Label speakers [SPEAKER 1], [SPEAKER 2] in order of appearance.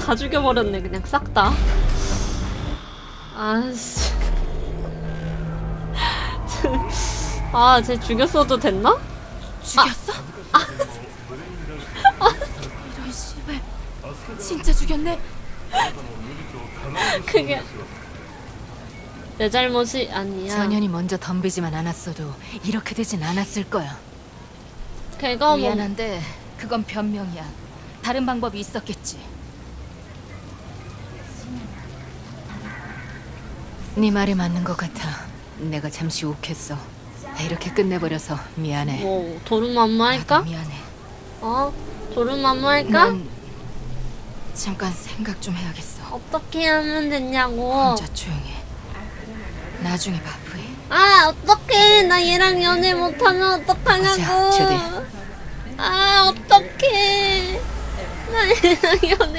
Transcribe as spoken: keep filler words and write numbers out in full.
[SPEAKER 1] 다 죽여버렸네 그냥 싹 다. 아씨. 아, 쟤 죽였어도 됐나?
[SPEAKER 2] 죽였어?
[SPEAKER 1] 아. 아.
[SPEAKER 2] 이런 씨발. 진짜 죽였네.
[SPEAKER 1] 그게 내 잘못이 아니야.
[SPEAKER 2] 전현이 먼저 덤비지만 않았어도 이렇게 되진 않았을 거야.
[SPEAKER 1] 걔가 뭐
[SPEAKER 2] 미안한데 그건 변명이야. 다른 방법이 있었겠지. 네 말이 맞는 것 같아. 내가 잠시 욱했어. 이렇게 끝내버려서 미안해.
[SPEAKER 1] 뭐 도루마무할까?
[SPEAKER 2] 나도 미안해.
[SPEAKER 1] 어? 도루마무할까?
[SPEAKER 2] 난 잠깐 생각 좀 해야겠어.
[SPEAKER 1] 어떻게 하면 되냐고.
[SPEAKER 2] 혼자 조용히 해. 나중에 바쁘해.
[SPEAKER 1] 아, 어떡해. 나 얘랑 연애 못하면 어떡하냐고.
[SPEAKER 2] 가자, 주디.
[SPEAKER 1] 아, 어떡해. 나 얘랑 연애